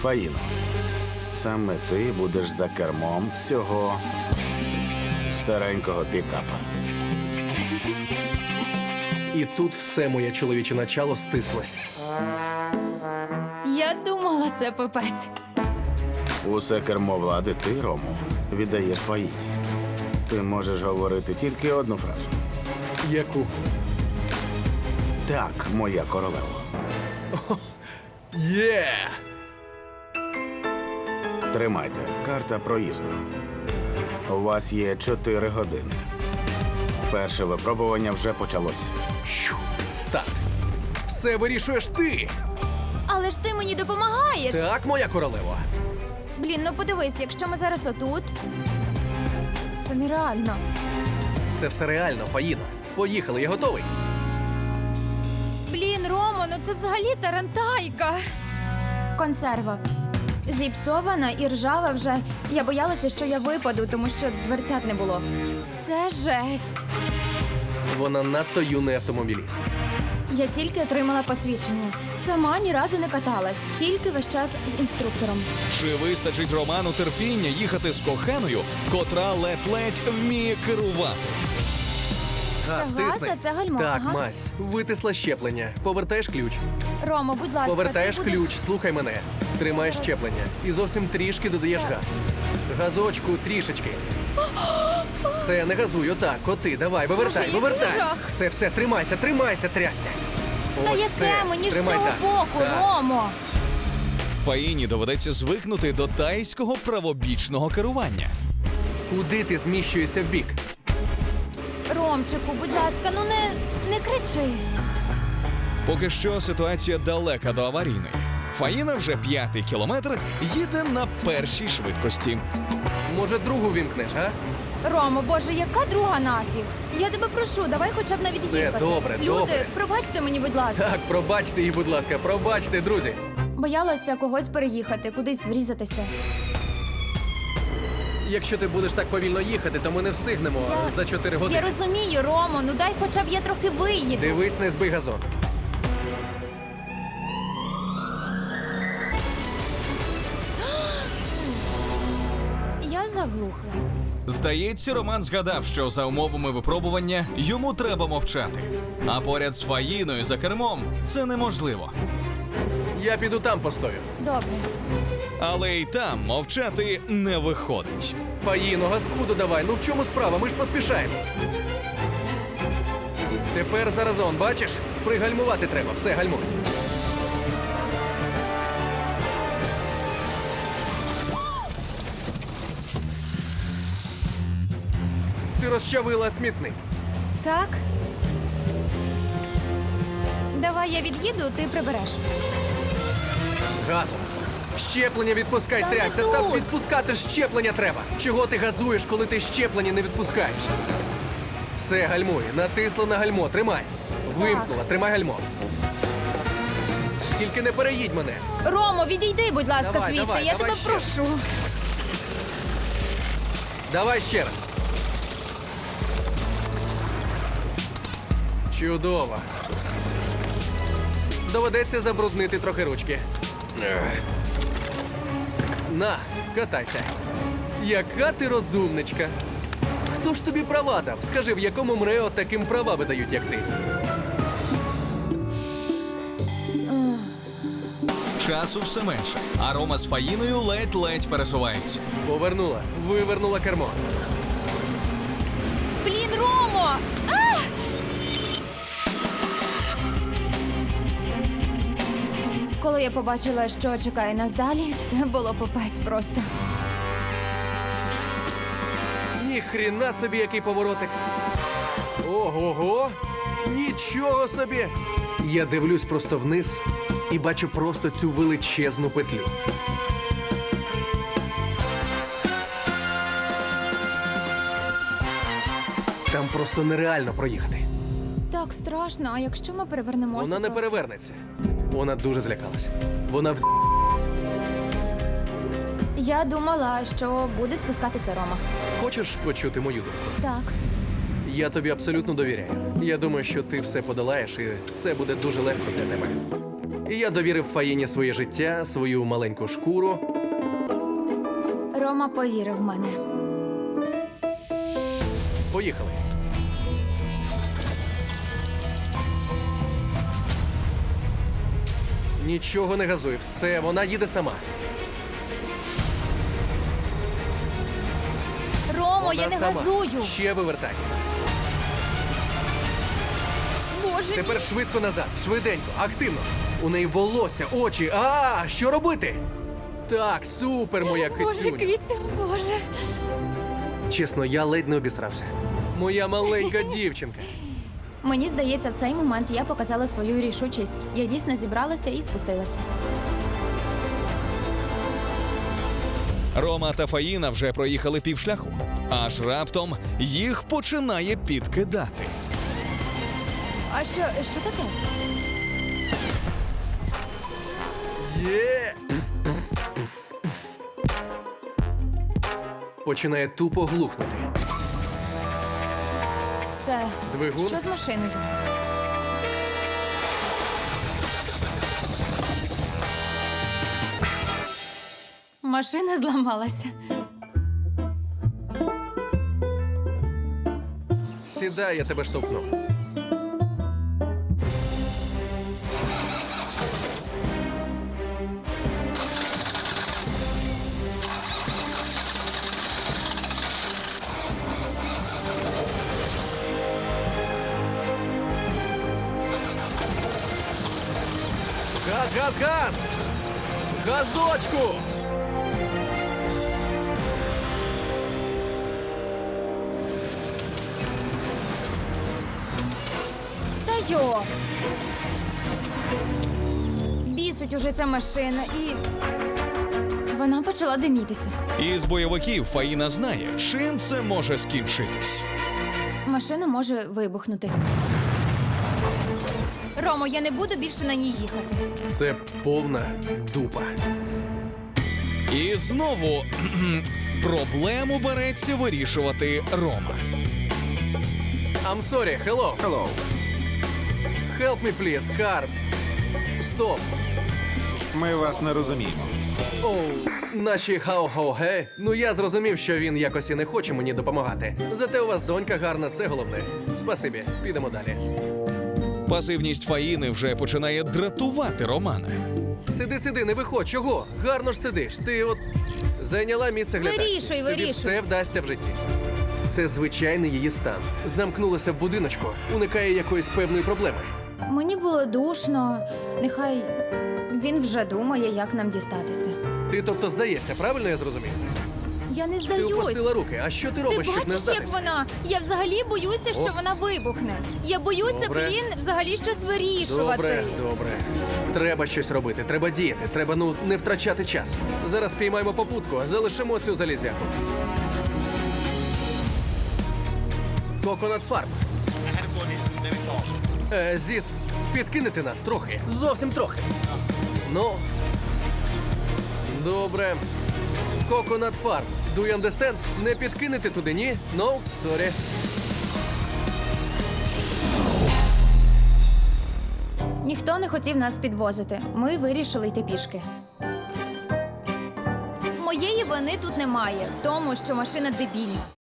Фаїно, саме ти будеш за кермом цього старенького пікапа. І тут все моє чоловіче начало стислось. Я думала, це пипець. Усе кермо влади ти, Рому, віддаєш Фаїні. Ти можеш говорити тільки одну фразу. Яку? Так, моя королева. Є! Тримайте, карта проїзду. У вас є 4 години. Перше випробування вже почалось. Щу! Старт! Все вирішуєш ти! Але ж ти мені допомагаєш. Так, моя королева. Блін, ну подивись, якщо ми зараз отут. Це нереально. Це все реально, Фаїно. Поїхали, я готовий. Блін, Ромо, ну це взагалі тарантайка. Консерва. Зіпсована і ржава вже. Я боялася, що я випаду, тому що дверцят не було. Це жесть. Вона надто юний автомобіліст. Я тільки отримала посвідчення. Сама ні разу не каталась, тільки весь час з інструктором. Чи вистачить Роману терпіння їхати з коханою, котра ледь-ледь вміє керувати? Газ, Це газ, тисни. а це гальмо, Так, ага. Мась, витисла щеплення. Повертаєш ключ. Ромо, будь ласка, Повертаєш ти будеш... ключ, слухай мене. Тримаєш Зараз. щеплення. І зовсім трішки додаєш Так. газ. Газочку трішечки. Все, не газуй, отак, коти, давай, вивертай, який вивертай. жах. Це все, тримайся, трясся. Та Ось яке це. мені ж з Тримай цього так. боку, Так. Ромо? Фаїні доведеться звикнути до тайського правобічного керування. Куди ти зміщуєшся вбік? Ромчику, будь ласка, ну не кричи. Поки що ситуація далека до аварійної. Фаїна вже 5-й кілометр їде на першій швидкості. Може, другу вімкнеш, а? Ромо, боже, яка друга нафіг? Я тебе прошу, давай хоча б навіть Все, їхати. добре, Люди, добре. пробачте мені, будь ласка. Так, пробачте її, будь ласка, пробачте, друзі. Боялася когось переїхати, кудись врізатися. Якщо ти будеш так повільно їхати, то ми не встигнемо за 4 години. Я розумію, Ромо, ну дай хоча б я трохи виїду. Дивись, не збий газон. Я заглухла. Здається, Роман згадав, що за умовами випробування йому треба мовчати. А поряд з Фаїною за кермом це неможливо. Я піду там постою. Добре. Але й там мовчати не виходить. Фаїно, газку додавай. Ну в чому справа? Ми ж поспішаємо. Тепер заразом, бачиш? Пригальмувати треба. Все, гальмуй. Ти розчавила смітник. Так. Давай я від'їду, ти прибереш. Газом. Щеплення відпускай, Та не трясся. тут. Там відпускати щеплення треба. Чого ти газуєш, коли ти щеплення не відпускаєш? Все, гальмуй. Натисла на гальмо. Тримай. Вимкнула. Тримай гальмо. Тільки не переїдь мене. Ромо, відійди, будь ласка, Давай, звідти. давай, Я давай тебе ще. прошу. Давай ще раз. Чудово. Доведеться забруднити трохи ручки. Ех. На, катайся. Яка ти розумничка. Хто ж тобі права дав? Скажи, в якому МРЕО таким права видають, як ти? Часу все менше, а Рома з Фаїною ледь-ледь пересуваються. Повернула, вивернула кермо. Блін, Ромо! А! Коли я побачила, що чекає нас далі, це було попець просто. Ніхріна собі, який поворотик. Ого-го! Нічого собі! Я дивлюсь просто вниз і бачу просто цю величезну петлю. Там просто нереально проїхати. Так страшно, а якщо ми перевернемося? Вона не просто? перевернеться. Вона дуже злякалася. Вона Я думала, що буде спускатися Рома. Хочеш почути мою думку? Так. Я тобі абсолютно довіряю. Я думаю, що ти все подолаєш, і це буде дуже легко для тебе. І я довірив Фаїні своє життя, свою маленьку шкуру. Рома повірив в мене. Поїхали. Нічого не газуй, все, вона їде сама. Ромо, я Вона не сама. газую. Ще вивертай. Боже Тепер мій. швидко назад, швиденько, активно. У неї волосся, очі. А, що робити? Так, супер, моя Боже, кицюня. кицю, боже. Чесно, я ледь не обісрався. Моя маленька дівчинка. Мені здається, в цей момент я показала свою рішучість. Я дійсно зібралася і спустилася. Рома та Фаїна вже проїхали півшляху, аж раптом їх починає підкидати. А що таке? Є! Починає тупо глухнути. Все. Двигун? Що з машиною? Машина зламалася. Сідай, я тебе штовхну. Газ, газ, газ! Газочку! Та йо! Бісить уже ця машина і. Вона почала димітися. Із бойовиків Фаїна знає, чим це може скінчитись. Машина може вибухнути. Ромо, я не буду більше на ній їхати. Це повна дупа. І знову проблему береться вирішувати Рома. I'm sorry, hello. Hello. Help me, please, car. Стоп. Ми вас не розуміємо. Оу, наші хау-хау-ге. Ну я зрозумів, що він якось і не хоче мені допомагати. Зате у вас донька гарна, це головне. Спасибі, підемо далі. Пасивність Фаїни вже починає дратувати Романа. Сиди, не виходь, чого? Гарно ж сидиш. Ти от зайняла місце глядачки. Вирішуй. Тобі все вдасться в житті. Це звичайний її стан. Замкнулася в будиночку, уникає якоїсь певної проблеми. Мені було душно. Нехай він вже думає, як нам дістатися. Ти тобто здаєшся, правильно я зрозумів? Я не Ти здаюсь. опустила руки. А що ти Ти робиш, щоб не бачиш, як здатися? вона? Я взагалі боюся, що О. вона вибухне. Я боюся, Добре. взагалі щось вирішувати. Добре. Треба щось робити, треба діяти, треба, не втрачати час. Зараз піймаємо попутку, а залишимо цю залізяку. Coconut Farm. Зіс, підкинете нас трохи. Зовсім трохи. Ну. Добре. Coconut Farm. Do you understand? Не підкинете туди, ні? No? Sorry. Ніхто не хотів нас підвозити. Ми вирішили йти пішки. Моєї вини тут немає в тому, що машина дебільна.